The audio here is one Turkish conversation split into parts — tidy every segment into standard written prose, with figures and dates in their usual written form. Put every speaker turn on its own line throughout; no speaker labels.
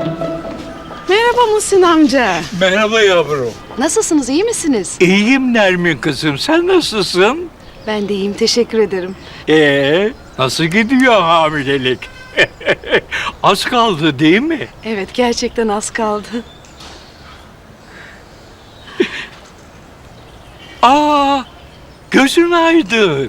Merhaba Muhsin amca.
Merhaba yavrum.
Nasılsınız, iyi misiniz?
İyiyim Nermin kızım. Sen nasılsın?
Ben de iyiyim, teşekkür ederim.
Nasıl gidiyor hamilelik? Az kaldı değil mi?
Evet, gerçekten az kaldı.
Gözün aydın.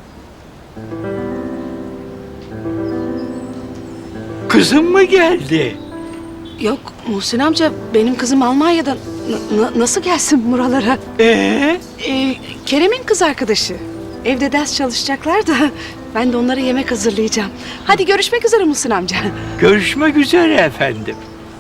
Kızım mı geldi?
Yok Muhsin amca, benim kızım Almanya'dan. Nasıl gelsin buralara? Kerem'in kız arkadaşı. Evde ders çalışacaklar da ben de onlara yemek hazırlayacağım. Hadi görüşmek üzere Muhsin amca.
Görüşmek üzere efendim.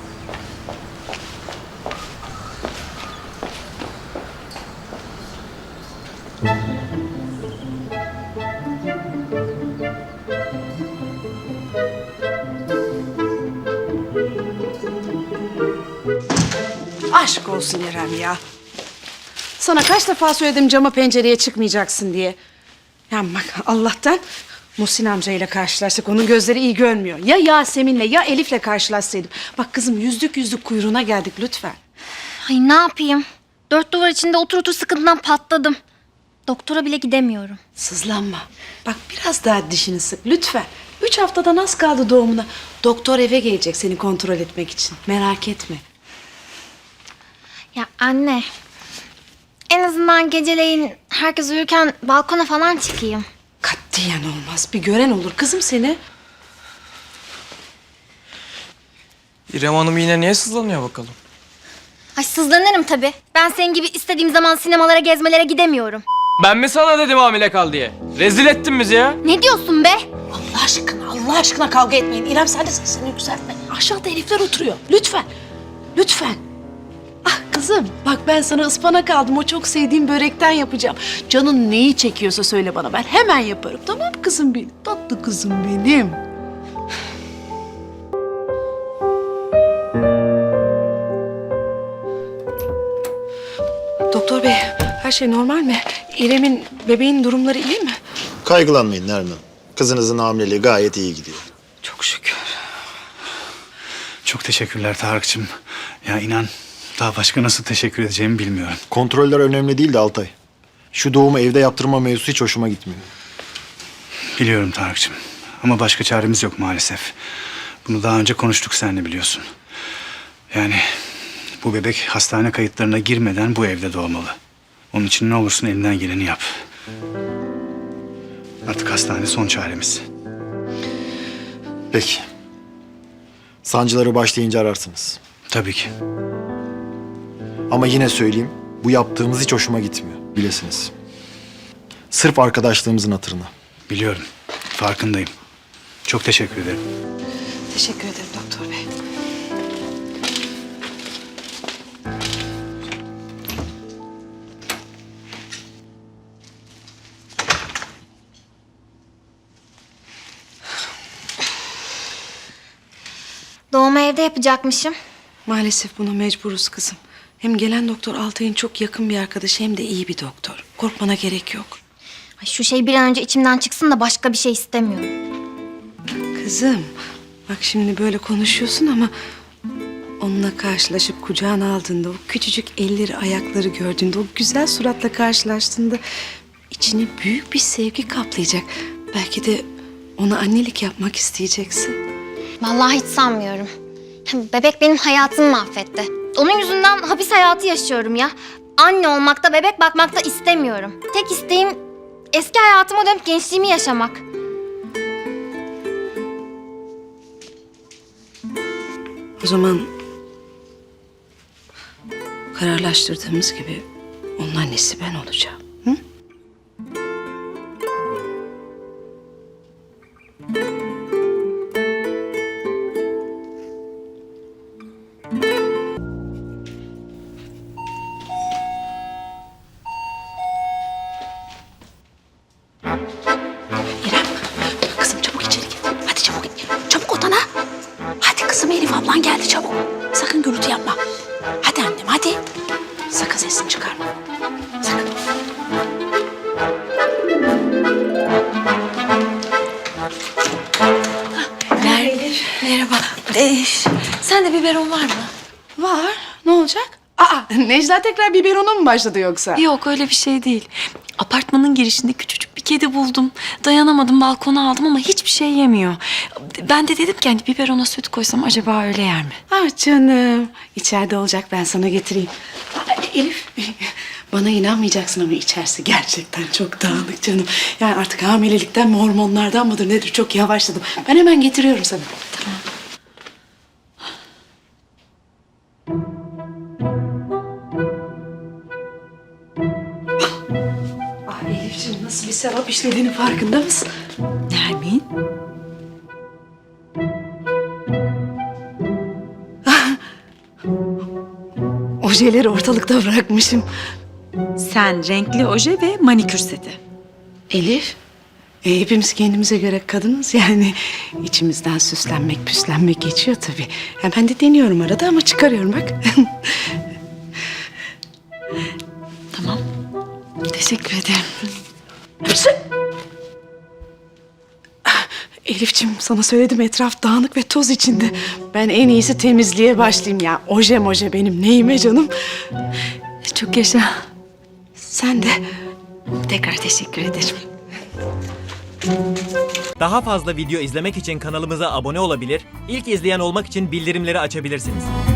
Aşk olsun İrem ya. Sana kaç defa söyledim cama pencereye çıkmayacaksın diye. Ya bak Allah'tan Muhsin amcayla karşılaştık. Onun gözleri iyi görmüyor. Ya Yasemin'le ya Elif'le karşılaşsaydım. Bak kızım yüzlük kuyruğuna geldik lütfen.
Ay ne yapayım? Dört duvar içinde otur sıkıntıdan patladım. Doktora bile gidemiyorum.
Sızlanma. Bak biraz daha dişini sık lütfen. 3 haftadan az kaldı doğumuna. Doktor eve gelecek seni kontrol etmek için. Merak etme.
Ya anne, en azından geceleyin herkes uyurken balkona falan çıkayım.
Katiyen olmaz. Bir gören olur kızım seni.
İrem Hanım yine niye sızlanıyor bakalım?
Ay sızlanırım tabii. Ben senin gibi istediğim zaman sinemalara, gezmelere gidemiyorum.
Ben mi sana dedim hamile kal diye? Rezil ettin bizi ya.
Ne diyorsun be?
Allah aşkına kavga etmeyin. İrem sen de sesini yükseltme. Aşağıda herifler oturuyor. Lütfen. Lütfen. Ah kızım bak ben sana ıspanak aldım. O çok sevdiğim börekten yapacağım. Canın neyi çekiyorsa söyle bana. Ben hemen yaparım. Tamam kızım benim. Tatlı kızım benim. Doktor bey her şey normal mi? İrem'in bebeğin durumları iyi mi?
Kaygılanmayın Nermin Hanım. Kızınızın hamileliği gayet iyi gidiyor.
Çok şükür.
Çok teşekkürler Tarık'cığım. Ya inan daha başka nasıl teşekkür edeceğimi bilmiyorum.
Kontroller önemli değil de Altay. Şu doğumu evde yaptırma mevzusu hiç hoşuma gitmiyor.
Biliyorum Tarık'cığım. Ama başka çaremiz yok maalesef. Bunu daha önce konuştuk seninle biliyorsun. Yani bu bebek hastane kayıtlarına girmeden bu evde doğmalı. Onun için ne olursun elinden geleni yap. Artık hastane son çaremiz.
Peki. Sancıları başlayınca ararsınız.
Tabii ki.
Ama yine söyleyeyim, bu yaptığımız hiç hoşuma gitmiyor. Bilesiniz. Sırf arkadaşlığımızın hatırına.
Biliyorum. Farkındayım. Çok teşekkür ederim.
Teşekkür ederim doktor bey.
Doğumu evde yapacakmışım.
Maalesef buna mecburuz kızım. Hem gelen doktor Altay'ın çok yakın bir arkadaşı hem de iyi bir doktor. Korkmana gerek yok.
Ay şu şey bir an önce içimden çıksın da başka bir şey istemiyorum.
Kızım bak şimdi böyle konuşuyorsun ama onunla karşılaşıp kucağına aldığında, o küçücük elleri ayakları gördüğünde, o güzel suratla karşılaştığında içini büyük bir sevgi kaplayacak. Belki de ona annelik yapmak isteyeceksin.
Vallahi hiç sanmıyorum. Bebek benim hayatımı mahvetti. Onun yüzünden hapis hayatı yaşıyorum ya. Anne olmakta, bebek bakmakta istemiyorum. Tek isteğim eski hayatıma dönüp gençliğimi yaşamak.
O zaman kararlaştırdığımız gibi onun annesi ben olacağım. Hı? İrem, kızım çabuk içeri git. Hadi çabuk git. Çabuk odana. Hadi kızım Elif ablan geldi çabuk. Sakın gürültü yapma. Hadi annem hadi. Sakın sesini çıkarma. Sakın. Merhaba. Sen
Sende biberon var mı?
Var. Ne olacak? Aa, Necla tekrar biberona mı başladı yoksa?
Yok öyle bir şey değil. Apartmanın girişinde küçücük bir kedi buldum. Dayanamadım balkona aldım ama hiçbir şey yemiyor. Ben de dedim ki hani biberona süt koysam acaba öyle yer mi?
Ah canım. İçeride olacak, ben sana getireyim. Aa, Elif, bana inanmayacaksın ama içerisi gerçekten çok dağınık canım. Yani artık hamilelikten mi hormonlardan mıdır nedir çok yavaşladım. Ben hemen getiriyorum sana.
Tamam.
Ah Elifciğim, nasıl bir sevap işlediğinin farkında mısın?
Nermin?
Ojeleri ortalıkta bırakmışım.
Sen renkli oje ve manikür seti.
Elif, hepimiz kendimize göre kadınız yani. İçimizden süslenmek, püslenmek geçiyor tabii. Ya ben de deniyorum arada ama çıkarıyorum bak.
Tamam. Teşekkür ederim.
Elifciğim, sana söyledim, etraf dağınık ve toz içinde. Ben en iyisi temizliğe başlayayım ya. Oje benim neyime canım.
Çok yaşa.
Sen de.
Tekrar teşekkür ederim.
Daha fazla video izlemek için kanalımıza abone olabilir, ilk izleyen olmak için bildirimleri açabilirsiniz.